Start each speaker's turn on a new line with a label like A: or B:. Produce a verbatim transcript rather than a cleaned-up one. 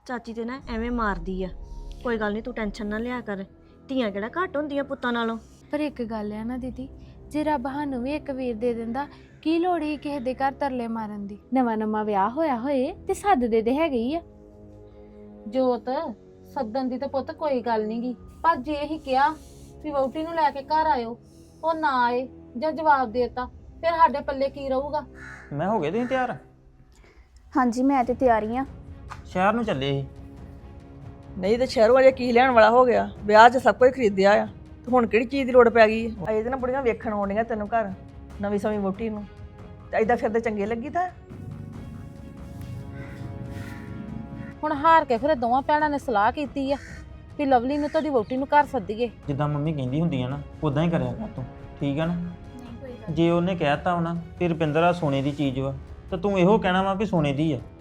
A: ਚਾਚੀ ਤੇ ਨਾ ਐਵੇਂ ਮਾਰਦੀ ਆ। ਕੋਈ ਗੱਲ ਨਹੀਂ, ਤੂੰ ਟੈਨਸ਼ਨ ਨਾ ਲਿਆ ਕਰ। ਧੀਆਂ ਕਿਹੜਾ ਘੱਟ ਹੁੰਦੀਆਂ ਪੁੱਤਾਂ ਨਾਲੋਂ।
B: ਪਰ ਇੱਕ ਗੱਲ ਆ ਨਾ ਦੀਦੀ, ਜੇ ਰੱਬ ਸਾਨੂੰ ਵੀ ਇੱਕ ਵੀਰ ਦੇ ਦਿੰਦਾ, ਕੀ ਲੋੜ ਹੀ ਕਿਸੇ ਦੇ ਘਰ ਤਰਲੇ ਮਾਰਨ ਦੀ। ਨਵਾਂ ਨਵਾਂ ਵਿਆਹ ਹੋਇਆ ਹੋਏ ਤੇ ਸੱਦਦੇ ਤੇ ਹੈਗੇ ਹੀ ਆ।
C: ਜੋਤ ਸੱਦਣ ਦੀ ਤਾਂ ਪੁੱਤ ਕੋਈ ਗੱਲ ਨੀ ਗੀ, ਪਰ ਜੇ ਅਸੀਂ ਕਿਹਾ ਵੀ ਵਹੁਟੀ ਨੂੰ ਲੈ ਕੇ ਘਰ ਆਇਓ, ਉਹ ਨਾ ਆਏ ਜਾਂ ਜਵਾਬ ਦੇਤਾ, ਫਿਰ ਸਾਡੇ ਪੱਲੇ ਕੀ ਰਹੂਗਾ।
D: ਮੈਂ ਹੋ ਗਏ ਤੁਸੀਂ ਤਿਆਰ?
E: ਹਾਂਜੀ ਮੈਂ ਤੇ ਤਿਆਰੀ ਆ।
D: ਸ਼ਹਿਰ ਨੂੰ ਚੱਲੇ ਸੀ।
F: ਨਹੀਂ ਤੇ ਸ਼ਹਿਰੋਂ ਅਜੇ ਕੀ ਲੈਣ ਵਾਲਾ ਹੋ ਗਿਆ, ਵਿਆਹ 'ਚ ਸਭ ਕੁਝ ਖਰੀਦਿਆ ਆ ਤੇ ਹੁਣ ਕਿਹੜੀ ਚੀਜ਼ ਦੀ ਲੋੜ ਪੈ ਗਈ ਹੈ। ਅਜੇ ਤਾਂ ਨਾ ਬੁੜੀਆਂ ਵੇਖਣ ਆਉਂਦੀਆਂ ਤੈਨੂੰ ਘਰ, ਨਵੀਂ ਸਵੀਂ ਵਹੁਟੀ ਨੂੰ, ਤੇ ਏਦਾਂ ਫਿਰਦੇ ਚੰਗੇ ਲੱਗੀ ਤਾਂ।
C: ਹੁਣ ਹਾਰ ਕੇ ਫਿਰ ਦੋਵਾਂ ਭੈਣਾਂ ਨੇ ਸਲਾਹ ਕੀਤੀ ਆ ਵੀ ਲਵਲੀ ਨੂੰ ਤੁਹਾਡੀ ਵਹੁਟੀ ਨੂੰ ਘਰ ਸੱਦੀਏ।
D: ਜਿੱਦਾਂ ਮੰਮੀ ਕਹਿੰਦੀ ਹੁੰਦੀ ਆ ਨਾ ਉਦਾਂ ਹੀ ਕਰਿਆ ਕਰ ਤੂੰ, ਠੀਕ ਆ ਨਾ? ਜੇ ਉਹਨੇ ਕਹਿਤਾ ਹੋਣਾ ਕਿ ਰੁਪਿੰਦਰ ਆ ਸੋਨੇ ਦੀ ਚੀਜ਼ ਵਾ, ਤਾਂ ਤੂੰ ਇਹੋ ਕਹਿਣਾ ਵਾ ਵੀ ਸੋਨੇ ਦੀ ਆ।